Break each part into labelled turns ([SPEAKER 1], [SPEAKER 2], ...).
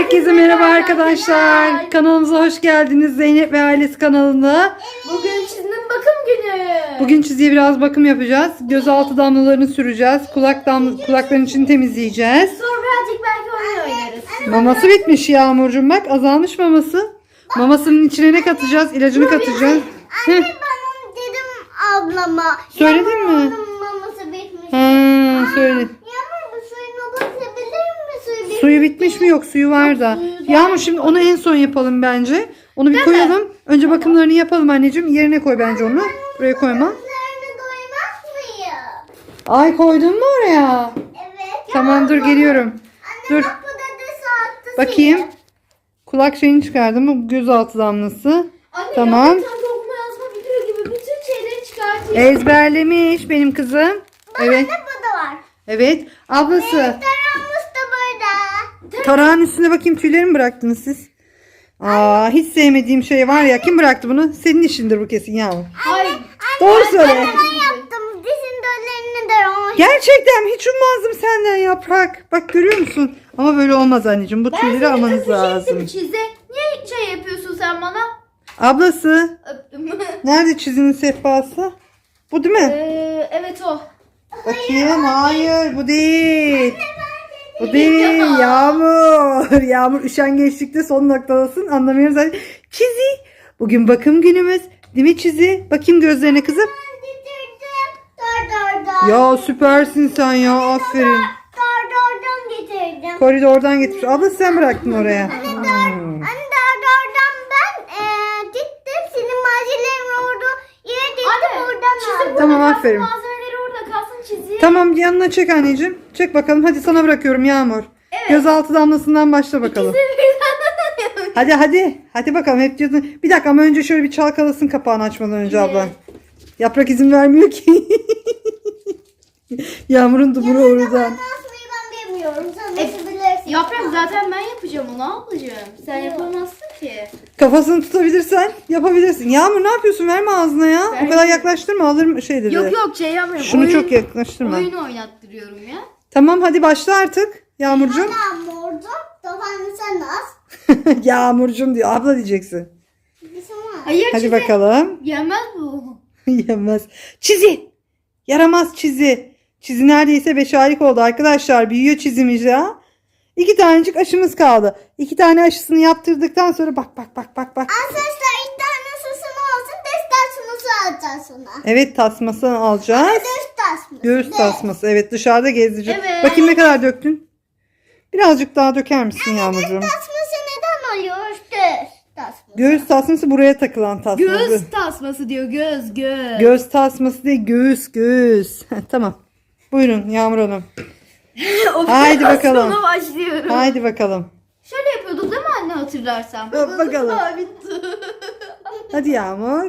[SPEAKER 1] Herkese merhaba arkadaşlar. Kanalımıza hoş geldiniz. Zeynep ve Ailesi kanalına.
[SPEAKER 2] Bugün çizinin bakım günü.
[SPEAKER 1] Bugün çiziye biraz bakım yapacağız. Gözaltı damlalarını süreceğiz. Kulakların içini temizleyeceğiz.
[SPEAKER 2] Sonra birazcık belki oyun oynarız.
[SPEAKER 1] Maması bitmiş Yağmurcuğum, bak azalmış maması. Mamasının içine ne katacağız? İlacını katacağız.
[SPEAKER 2] Anne ben onu dedim ablama.
[SPEAKER 1] Söyledin mi?
[SPEAKER 2] Onun maması bitmiş.
[SPEAKER 1] Söyle.
[SPEAKER 2] Yağmur bu suyunu basabilir mi?
[SPEAKER 1] Suyu bitmiş mi? Yok, suyu var da. Yağmur, şimdi onu en son yapalım bence. Onu bir koyalım. Önce bakımlarını yapalım anneciğim. Yerine koy bence onu. Buraya koyma.
[SPEAKER 2] Üzerine doymaz mıyım?
[SPEAKER 1] Ay, koydun mu oraya?
[SPEAKER 2] Evet.
[SPEAKER 1] Tamam, dur geliyorum. Dur.
[SPEAKER 2] Bak bu da saatte
[SPEAKER 1] Bakayım. Kulak şeyini çıkardım mı? Gözaltı damlası.
[SPEAKER 2] Anne
[SPEAKER 1] Tamam.
[SPEAKER 2] ya, sen de okuma yazma biliyor gibi bütün şeyleri çıkartıyor.
[SPEAKER 1] Ezberlemiş benim kızım. Evet.
[SPEAKER 2] Anne bu da var.
[SPEAKER 1] Evet. Ablası.
[SPEAKER 2] Tarağımız da burada.
[SPEAKER 1] Tarağın üstüne bakayım, tüyleri mi bıraktınız siz? Aa, hiç sevmediğim şey var ya. Kim bıraktı bunu? Senin işindir bu kesin Yağmur.
[SPEAKER 2] Hayır.
[SPEAKER 1] Doğru söyle.
[SPEAKER 2] Ben yaptım. Dizin döllerini de o.
[SPEAKER 1] Gerçekten hiç ummazdım senden Yaprak. Bak, görüyor musun? Ama böyle olmaz anneciğim. Bu tüyleri almanız lazım.
[SPEAKER 2] Çize. Niye şey yapıyorsun sen bana?
[SPEAKER 1] Ablası.
[SPEAKER 2] Öptüm.
[SPEAKER 1] Nerede çizinin sehpası? Bu değil mi?
[SPEAKER 2] Evet o.
[SPEAKER 1] Bakayım. Hayır, bu değil. Bu değil. Yağmur. Yağmur üşengeçlikte son noktadasın. Anlamıyorum zaten. Çizi. Bugün bakım günümüz. Değil mi Çizi? Bakayım gözlerine kızım.
[SPEAKER 2] Getirdim. Dur.
[SPEAKER 1] Ya süpersin sen ya. Aferin.
[SPEAKER 2] Dordordan getirdim.
[SPEAKER 1] Koridordan getir. Abla sen bıraktın oraya.
[SPEAKER 2] Anne dordordan ben gittim. Senin malzemelerin orada yere gittim oradan aldım.
[SPEAKER 1] Tamam, aferin.
[SPEAKER 2] Malzemeleri orada kalsın çiziye.
[SPEAKER 1] Tamam, yanına çek anneciğim. Çek bakalım. Hadi sana bırakıyorum Yağmur. Gözaltı damlasından başla bakalım. Hadi hadi. Hadi bakalım. Hep diyordun. Bir dakika ama önce şöyle bir çalkalasın kapağını açmadan önce ablan. Yaprak izin vermiyor ki. Yağmur'un dumuru oradan.
[SPEAKER 2] Nasılmayı ben bilmiyorum. Sen nasıl bilirsin?
[SPEAKER 3] Yaprak zaten ben yapacağım onu ablacığım. Sen yapamazsın ki.
[SPEAKER 1] Kafasını tutabilirsen yapabilirsin. Yağmur, ne yapıyorsun? Verme ağzına ya. O kadar yaklaştırma, alır şey dedi.
[SPEAKER 3] Yok şey yapmıyorum.
[SPEAKER 1] Şunu çok yaklaştırma.
[SPEAKER 3] Oyun oynattırıyorum ya.
[SPEAKER 1] Tamam, hadi başla artık. Yağmurcuğum.
[SPEAKER 2] Yağmurcu. Tabanı sen az.
[SPEAKER 1] Yağmurcuğum diyor. Abla diyeceksin.
[SPEAKER 3] Hayır
[SPEAKER 1] Hadi
[SPEAKER 3] çizi.
[SPEAKER 1] bakalım.
[SPEAKER 3] Yemez bu.
[SPEAKER 1] Yemez. Çizi. Yaramaz Çizi. Çizi neredeyse 5 aylık oldu arkadaşlar. Büyüyor çizimiz ya. 2 tanecik aşımız kaldı. 2 tane aşısını yaptırdıktan sonra bak.
[SPEAKER 2] Arkadaşlar ilk tane susunu olsun. Ders tasması alacağız ona.
[SPEAKER 1] Evet, tasmasını alacağız.
[SPEAKER 2] Ders tasması.
[SPEAKER 1] Göğüs tasması. Evet, dışarıda gezdireceğiz.
[SPEAKER 3] Evet.
[SPEAKER 1] Bakayım ne kadar döktün. Birazcık daha döker misin Yağmurcuğum?
[SPEAKER 2] Tasması neden oluyor? Ders tasması.
[SPEAKER 1] Göğüs tasması buraya takılan tasması.
[SPEAKER 3] Göz tasması diyor göz.
[SPEAKER 1] Göğüs tasması değil, göğüs. Tamam. Buyurun Yağmur Hanım. Haydi bakalım.
[SPEAKER 3] Operasyona başlıyorum.
[SPEAKER 1] Haydi bakalım.
[SPEAKER 3] Şöyle yapıyorduk değil mi anne hatırlarsan?
[SPEAKER 1] Bakalım.
[SPEAKER 3] Bitti.
[SPEAKER 1] Hadi Yağmur.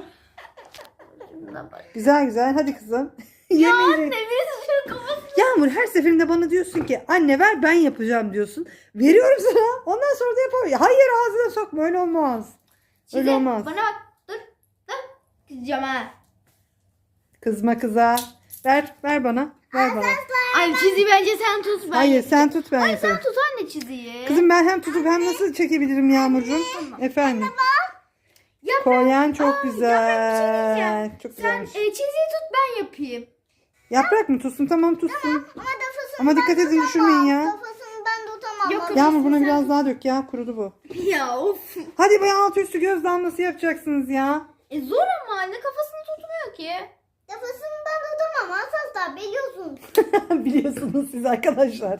[SPEAKER 1] Güzel. Hadi kızım.
[SPEAKER 3] Ya
[SPEAKER 1] Yemeyecek.
[SPEAKER 3] anne biz şu kafasını...
[SPEAKER 1] Yağmur, her seferinde bana diyorsun ki anne ver, ben yapacağım diyorsun. Veriyorum sana. Ondan sonra da yapamıyor. Hayır, ağzına sokma, öyle olmaz. Öyle
[SPEAKER 3] Çizi,
[SPEAKER 1] olmaz.
[SPEAKER 3] bana bak. Dur. Kızacağım ha.
[SPEAKER 1] Kızma kıza. Ver bana. Ver bana.
[SPEAKER 3] Ay çizi bence sen tut. Ben
[SPEAKER 1] Hayır,
[SPEAKER 3] yapacağım.
[SPEAKER 1] sen tut, ben
[SPEAKER 3] Ay
[SPEAKER 1] yaparım.
[SPEAKER 3] sen tut anne çiziyi.
[SPEAKER 1] Kızım, ben hem tutup hem nasıl çekebilirim Yağmurcuğum? Efendim. Kolyen çok güzel. Çok
[SPEAKER 3] Sen
[SPEAKER 1] güzelmiş.
[SPEAKER 3] çiziyi tut ben yapayım.
[SPEAKER 1] Yaprak mı tutsun? Tamam, tutsun.
[SPEAKER 2] Ama kafasını
[SPEAKER 1] Ama dikkat edin, düşürmeyin ya.
[SPEAKER 2] Kafasını ben tutamam.
[SPEAKER 3] Yok,
[SPEAKER 1] Yağmur, buna biraz daha dök ya. Kurudu bu.
[SPEAKER 3] Ya of.
[SPEAKER 1] Hadi be, altı üstü göz damlası yapacaksınız ya.
[SPEAKER 3] Zor ama anne kafasını tutmuyor ki.
[SPEAKER 2] Kafasını ben tutamam. Asla biliyorsun.
[SPEAKER 1] Biliyorsunuz siz arkadaşlar.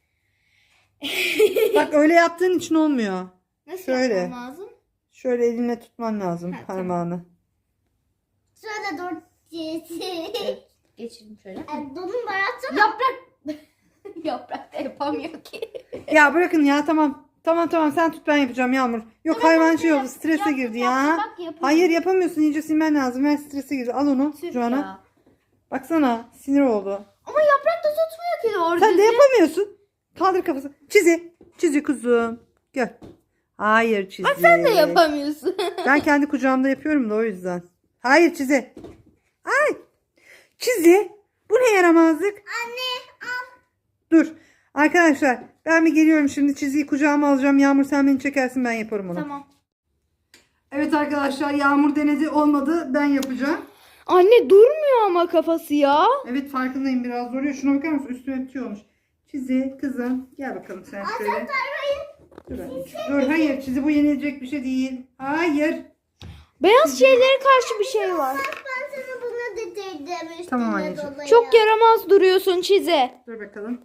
[SPEAKER 1] Bak, öyle yaptığın için olmuyor.
[SPEAKER 3] Nasıl
[SPEAKER 1] Şöyle.
[SPEAKER 3] yapmam lazım?
[SPEAKER 1] Şöyle elinle tutman lazım
[SPEAKER 3] Ha, tamam.
[SPEAKER 1] parmağını.
[SPEAKER 2] Şöyle dur.
[SPEAKER 3] Geçelim şöyle.
[SPEAKER 2] Donun baratsana.
[SPEAKER 3] Yaprak. Yaprak da yapamıyor ki.
[SPEAKER 1] Ya bırakın ya, tamam. Tamam, sen tut, ben yapacağım Yağmur. Yok, hayvan şey oldu, strese
[SPEAKER 3] Yaptım,
[SPEAKER 1] girdi
[SPEAKER 3] yaptım,
[SPEAKER 1] ya.
[SPEAKER 3] bak, yapıyorum.
[SPEAKER 1] Hayır, yapamıyorsun, iyice silmen lazım. Ben strese girdi. Al onu
[SPEAKER 3] Tüh
[SPEAKER 1] Joana.
[SPEAKER 3] ya.
[SPEAKER 1] Baksana, sinir oldu.
[SPEAKER 3] Ama yaprak da tutmuyor ki doğru
[SPEAKER 1] Sen de
[SPEAKER 3] düzgün.
[SPEAKER 1] yapamıyorsun. Kaldır kafası. Çizi kuzum. Gel. Hayır Çizi.
[SPEAKER 3] Bak sen de yapamıyorsun.
[SPEAKER 1] Ben kendi kucağımda yapıyorum da o yüzden. Hayır Çizi. Ay. Çizi. Bu ne yaramazlık?
[SPEAKER 2] Anne al.
[SPEAKER 1] Dur. Arkadaşlar ben bir geliyorum şimdi, çizgiyi kucağıma alacağım. Yağmur sen beni çekersin, ben yaparım onu.
[SPEAKER 3] Tamam.
[SPEAKER 1] Evet arkadaşlar, Yağmur denedi, olmadı, ben yapacağım.
[SPEAKER 3] Anne durmuyor ama kafası ya.
[SPEAKER 1] Evet farkındayım, biraz zoruyor. Şuna bakar mısın, üstüne bitiyormuş. Çizi kızım gel bakalım sen şöyle. Dur, dur hayır, çizi bu yenilecek bir şey değil. Hayır.
[SPEAKER 3] Beyaz şeylere karşı bir şey var.
[SPEAKER 2] Ben sana bunu dedirdim üstüne
[SPEAKER 1] Tamam anneciğim.
[SPEAKER 2] dolayı.
[SPEAKER 3] Çok yaramaz duruyorsun Çize.
[SPEAKER 1] Dur bakalım.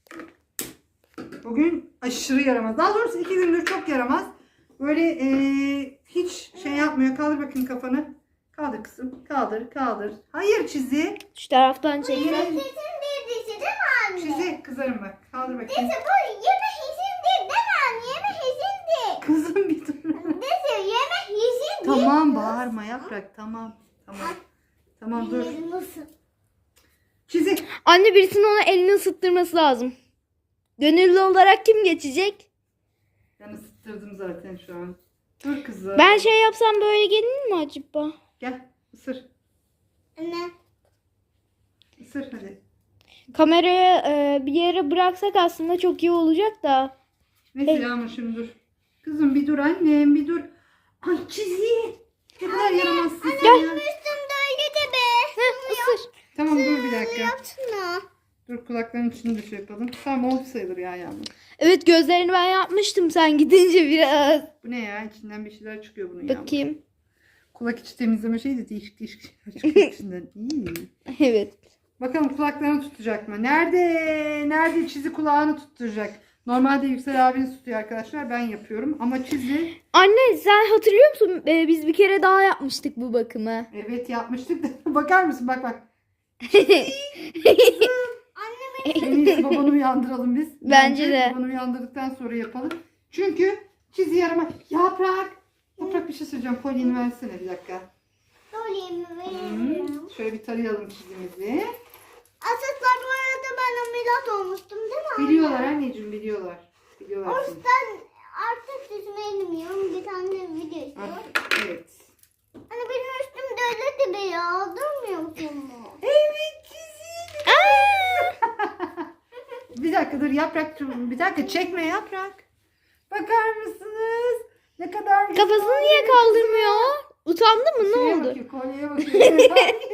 [SPEAKER 1] Bugün aşırı yaramaz. Daha doğrusu 2 gündür çok yaramaz. Böyle hiç şey yapmıyor. Kaldır bakayım kafanı. Kaldır kızım. Kaldır, kaldır. Hayır çizi.
[SPEAKER 3] Şu taraftan çekme.
[SPEAKER 2] Sesin bir dişi değil mi anne?
[SPEAKER 1] Çizi kızarım bak. Kaldır bakayım.
[SPEAKER 2] Neyse bu yeme hisin değil değil mi anne? Yeme hisin değil.
[SPEAKER 1] Kızım bir dur.
[SPEAKER 2] Neyse yeme hisin değil.
[SPEAKER 1] Tamam bağırma Yaprak. Tamam. Tamam. Tamam dur.
[SPEAKER 2] Nasıl?
[SPEAKER 1] Çizi.
[SPEAKER 3] Anne birisinin ona elini ısıttırması lazım. Gönüllü olarak kim geçecek?
[SPEAKER 1] Ben ısıttırdım zaten şu an. Dur kızım.
[SPEAKER 3] Ben şey yapsam böyle gelir mi acaba?
[SPEAKER 1] Gel ısır.
[SPEAKER 2] Anne.
[SPEAKER 1] Isır hadi.
[SPEAKER 3] Kamerayı bir yere bıraksak aslında çok iyi olacak da.
[SPEAKER 1] Neyse Yağmur şimdi dur. Kızım bir dur annem bir dur. Ay çizi. Ne kadar yaramazsın sen ya.
[SPEAKER 2] Üstümde öyle de be.
[SPEAKER 3] Isır.
[SPEAKER 1] Tamam dur bir dakika.
[SPEAKER 2] Yapsana.
[SPEAKER 1] Dur kulaklarının içini de şey yapalım. Tamam oldu sayılır ya Yağmur.
[SPEAKER 3] Evet gözlerini ben yapmıştım sen gidince biraz.
[SPEAKER 1] Bu ne ya? İçinden bir şeyler çıkıyor bunun Yağmur.
[SPEAKER 3] Bakayım.
[SPEAKER 1] Kulak içi temizleme şeyi de değişik değişik şeyler çıkıyor içinden. İyi.
[SPEAKER 3] Evet.
[SPEAKER 1] Bakalım kulaklarını tutacak mı? Nerede? Nerede çizi kulağını tutturacak? Normalde Yüksel abiniz tutuyor arkadaşlar. Ben yapıyorum. Ama çizi
[SPEAKER 3] Anne sen hatırlıyor musun? Biz bir kere daha yapmıştık bu bakımı.
[SPEAKER 1] evet yapmıştık da. Bakar mısın? Bak bak. En iyisi babanı uyandıralım biz.
[SPEAKER 3] Bence de.
[SPEAKER 1] Babanı uyandırdıktan sonra yapalım. Çünkü çizi yarama. Yaprak. Yaprak bir şey söyleyeceğim. Kolyeni versene bir dakika.
[SPEAKER 2] Dolayım veriyorum.
[SPEAKER 1] Şöyle bir tarayalım çizimizi.
[SPEAKER 2] Asıklar bu arada ben ameliyat olmuştum değil mi?
[SPEAKER 1] Biliyorlar anneciğim biliyorlar. Biliyorlar
[SPEAKER 2] O
[SPEAKER 1] şimdi.
[SPEAKER 2] yüzden artık yüzme bilmiyorum. Bir tane video izliyorum.
[SPEAKER 1] Artık, evet.
[SPEAKER 2] Hani benim üstümde öyle de be ya. Durmuyor musun mu?
[SPEAKER 1] Evet çizi. Bir dakika dur Yaprak. Bir dakika çekme Yaprak. Bakar mısınız? Ne kadar güzel.
[SPEAKER 3] Kafasını niye kaldırmıyor? Utandı mı? Ne
[SPEAKER 1] Şeye
[SPEAKER 3] oldu?
[SPEAKER 1] bakıyor, kolyeye bakıyor.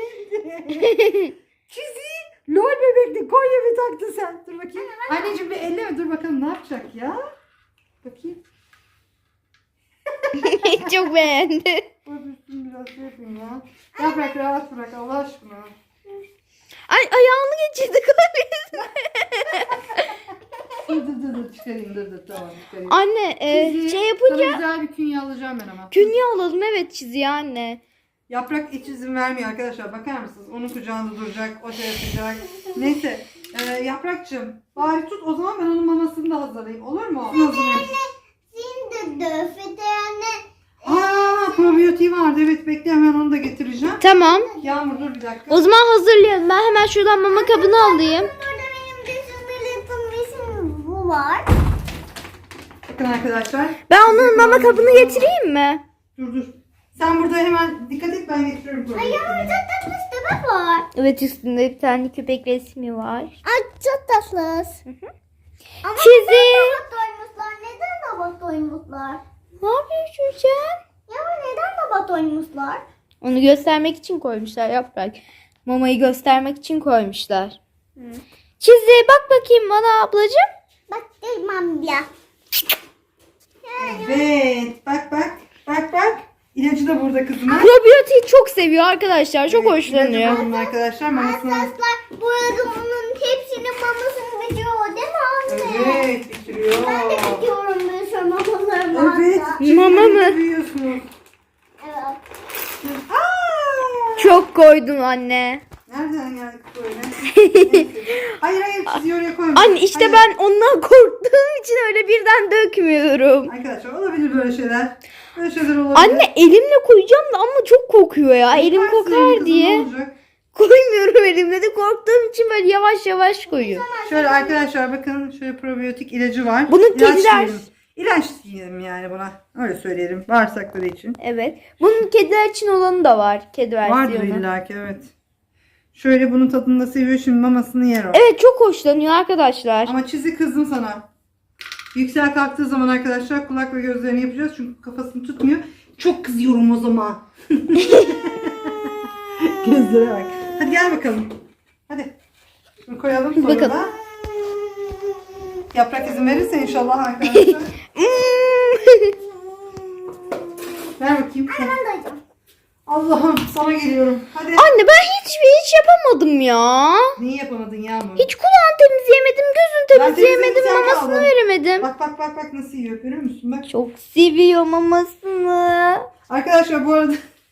[SPEAKER 1] Çizi. Lol bebekli kolye mi taktın sen? Dur bakayım. Anneciğim bir elleme dur bakalım ne yapacak ya. Bakayım.
[SPEAKER 3] Çok beğendi.
[SPEAKER 1] Öpürsün biraz şey yapayım ya. Yaprak rahat bırak Allah aşkına.
[SPEAKER 3] Ay ayağını geçirdi kolyesine.
[SPEAKER 1] Dur çıkarayım dur tamam çıkarayım.
[SPEAKER 3] Anne
[SPEAKER 1] Çizi,
[SPEAKER 3] şey yapınca
[SPEAKER 1] sana güzel bir künye alacağım ben ama.
[SPEAKER 3] künye alalım evet çiziyor anne.
[SPEAKER 1] Yaprak hiç izin vermiyor arkadaşlar. Bakar mısınız? Onun kucağında duracak. O şey yapacak. Neyse. Yaprakçığım. Bari tut. O zaman ben onun mamasını da hazırlayayım. Olur mu? Hazırlayayım.
[SPEAKER 2] Şimdi döfete yani.
[SPEAKER 1] Aa probiyotiği vardı. Evet bekle hemen onu da getireceğim.
[SPEAKER 3] Tamam.
[SPEAKER 1] Yağmur dur bir dakika.
[SPEAKER 3] O zaman hazırlayalım. Ben hemen şuradan mama kabını alayım.
[SPEAKER 2] Burada benim resim bu var.
[SPEAKER 1] Bakın arkadaşlar.
[SPEAKER 3] Ben onun mama kabını getireyim mi?
[SPEAKER 1] Dur. Sen burada hemen dikkat et ben getiriyorum probiyotiği.
[SPEAKER 2] Çok tatlı köpek var.
[SPEAKER 3] Evet üstünde bir tane köpek resmi var.
[SPEAKER 2] Ay çok tatlı. Ama
[SPEAKER 3] Çizi.
[SPEAKER 2] neden robot doymuşlar? Neden robot doymuşlar?
[SPEAKER 3] Ne yapıyor çocuğum?
[SPEAKER 2] Ya neden robot doymuşlar?
[SPEAKER 3] Onu göstermek için koymuşlar Yaprak. Mamayı göstermek için koymuşlar. Çizi bak bakayım bana ablacığım.
[SPEAKER 2] Bak demem ya.
[SPEAKER 1] Evet. Bak. İlacı da burada kızıma.
[SPEAKER 3] Probiyotiği çok seviyor arkadaşlar. Çok hoşlanıyor.
[SPEAKER 1] İlacı da arkadaşlar. Mamasını
[SPEAKER 2] Arkadaşlar bu arada onun hepsinin mamasını bitiriyor değil mi anne?
[SPEAKER 1] evet bitiriyor.
[SPEAKER 2] Ben de bitiyorum bir sürü mamalarımı.
[SPEAKER 1] Evet.
[SPEAKER 2] hatta.
[SPEAKER 3] Mama mı?
[SPEAKER 1] Büyüyorsunuz.
[SPEAKER 2] Evet.
[SPEAKER 1] Aa!
[SPEAKER 3] Çok koydun anne.
[SPEAKER 1] Nereden geldik böyle? Neyse, hayır çiziyor oraya koyma.
[SPEAKER 3] Anne işte
[SPEAKER 1] Hayır.
[SPEAKER 3] ben ondan korktuğum için öyle birden dökmüyorum.
[SPEAKER 1] Arkadaşlar olabilir böyle şeyler. Böyle şeyler olabilir.
[SPEAKER 3] Anne elimle koyacağım da ama çok kokuyor ya. Elim
[SPEAKER 1] Yaparsın
[SPEAKER 3] kokar
[SPEAKER 1] kızım, ne
[SPEAKER 3] diye.
[SPEAKER 1] olacak?
[SPEAKER 3] Koymuyorum elimle de korktuğum için böyle yavaş yavaş koyuyorum.
[SPEAKER 1] Şöyle arkadaşlar bakın şöyle probiyotik ilacı var.
[SPEAKER 3] Bunu
[SPEAKER 1] İlaç
[SPEAKER 3] kediler-
[SPEAKER 1] diyelim. İlaç diyelim yani buna. Öyle söyleyelim. Bağırsakları için.
[SPEAKER 3] Evet. Bunun kediler için olanı da var. Kedi
[SPEAKER 1] Vardır
[SPEAKER 3] versiyonu.
[SPEAKER 1] illaki evet. Şöyle bunun tadını da seviyor. Şimdi mamasını yer o.
[SPEAKER 3] Evet çok hoşlanıyor arkadaşlar.
[SPEAKER 1] Ama çizi kızdım sana. Yüksel kalktığı zaman arkadaşlar kulak ve gözlerini yapacağız. Çünkü kafasını tutmuyor. Çok kızıyorum o zaman. Gözlere bak. Hadi gel bakalım. Hadi. Şunu koyalım sonra
[SPEAKER 3] Bakalım.
[SPEAKER 1] da. Yaprak izin verirse inşallah arkadaşlar. Ver bakayım.
[SPEAKER 2] Ben doydum.
[SPEAKER 1] Allah'ım sana geliyorum. Hadi.
[SPEAKER 3] Anne ben hiç yapamadım ya.
[SPEAKER 1] Niye yapamadın Yağmur?
[SPEAKER 3] Hiç kulağını temizleyemedim, gözünü
[SPEAKER 1] Ben
[SPEAKER 3] temizleyemedim,
[SPEAKER 1] temizledim, sen
[SPEAKER 3] mamasını
[SPEAKER 1] kaldın.
[SPEAKER 3] veremedim.
[SPEAKER 1] Bak nasıl yiyor görüyor musun? Bak.
[SPEAKER 3] Çok seviyor mamasını.
[SPEAKER 1] Arkadaşlar bu arada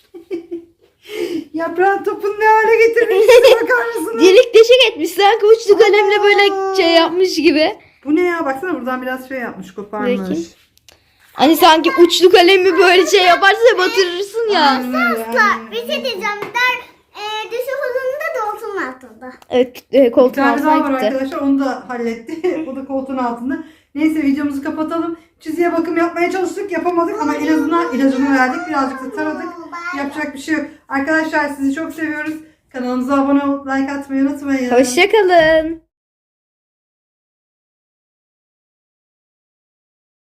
[SPEAKER 1] yaprağın topunu ne hale getirmişsin bakar mısınız?
[SPEAKER 3] Delik deşik etmiş sanki uçlu kalemle böyle şey yapmış gibi.
[SPEAKER 1] Bu ne ya baksana buradan biraz şey yapmış koparmış.
[SPEAKER 3] Bakayım. Hani sanki uçlu kalemi böyle şey yaparsa batırırsın ya.
[SPEAKER 1] Aynen öyle, aynen
[SPEAKER 2] Bir
[SPEAKER 1] öyle.
[SPEAKER 2] şey diyeceğim. Düşü huzurunda da olsun altında.
[SPEAKER 3] Evet
[SPEAKER 1] Bir
[SPEAKER 3] koltuğun
[SPEAKER 1] tane daha var
[SPEAKER 3] altına gitti.
[SPEAKER 1] arkadaşlar onu da halletti. O da koltuğun altında. Neyse videomuzu kapatalım. Çiziye bakım yapmaya çalıştık yapamadık ama en azından ilacını verdik. Birazcık da taradık. Yapacak bir şey yok. Arkadaşlar sizi çok seviyoruz. Kanalımıza abone olup like atmayı unutmayın.
[SPEAKER 3] Hoşçakalın.